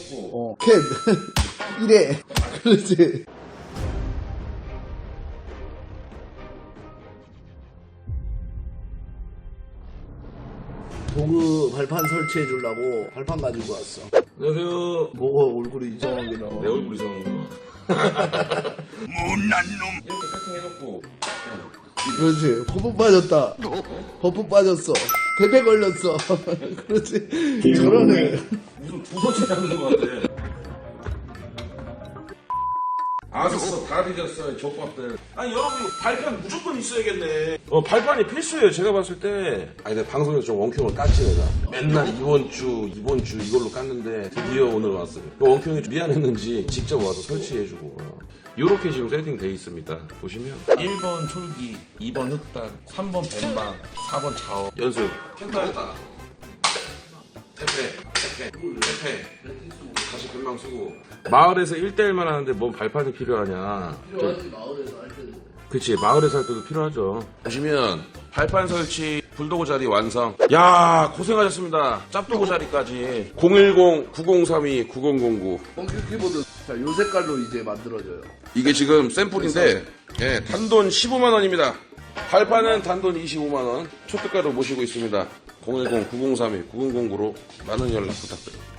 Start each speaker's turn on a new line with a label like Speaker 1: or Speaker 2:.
Speaker 1: 캔 1회 그렇지. 도구 발판 설치해 주려고 발판 가지고 왔어.
Speaker 2: 안녕하세요.
Speaker 1: 뭐가 얼굴이 이상하게 나와.
Speaker 2: 내 얼굴 이상한 거.
Speaker 3: 못난 놈.
Speaker 2: 이렇게 세팅해놓고.
Speaker 1: 그렇지. 버프 빠졌다. 버프 빠졌어. 대패 걸렸어. 그렇지. 저러네.
Speaker 2: 무슨 두 번째 잡는 것 같아. 아셨어. 다 뒤졌어요. 족밥들. 아니 여러분 이거 발판 무조건 있어야겠네. 발판이 필수예요. 제가 봤을 때. 아니 내가 방송에서 좀 원큐형을 깠지 내가. 맨날 이번 주 이걸로 깠는데 드디어 오늘 왔어요. 원큐형이 미안했는지 직접 와서 설치해주고. 요렇게 지금 세팅돼 있습니다. 보시면
Speaker 3: 1번 촐기, 2번 흑단, 3번 뱀방, 4번 자업.
Speaker 2: 연습. 캔타했다. 태페. 다시 금방 쓰고. 마을에서 1대1만 하는데 뭔 발판이 필요하냐.
Speaker 1: 필요하지 마을에서 할 때도.
Speaker 2: 그치, 마을에서 할 때도 필요하죠. 보시면 발판 설치, 불도구 자리 완성. 야, 고생하셨습니다. 짭도구 자리까지. 010-9032-9009.
Speaker 1: 펑큐 키보드. 자, 요 색깔로 이제 만들어져요.
Speaker 2: 이게 지금 샘플인데, 예, 단돈 15만원입니다. 발판은 단돈 25만원. 초특가로 모시고 있습니다. 010-9032-9009로 많은 연락 부탁드립니다.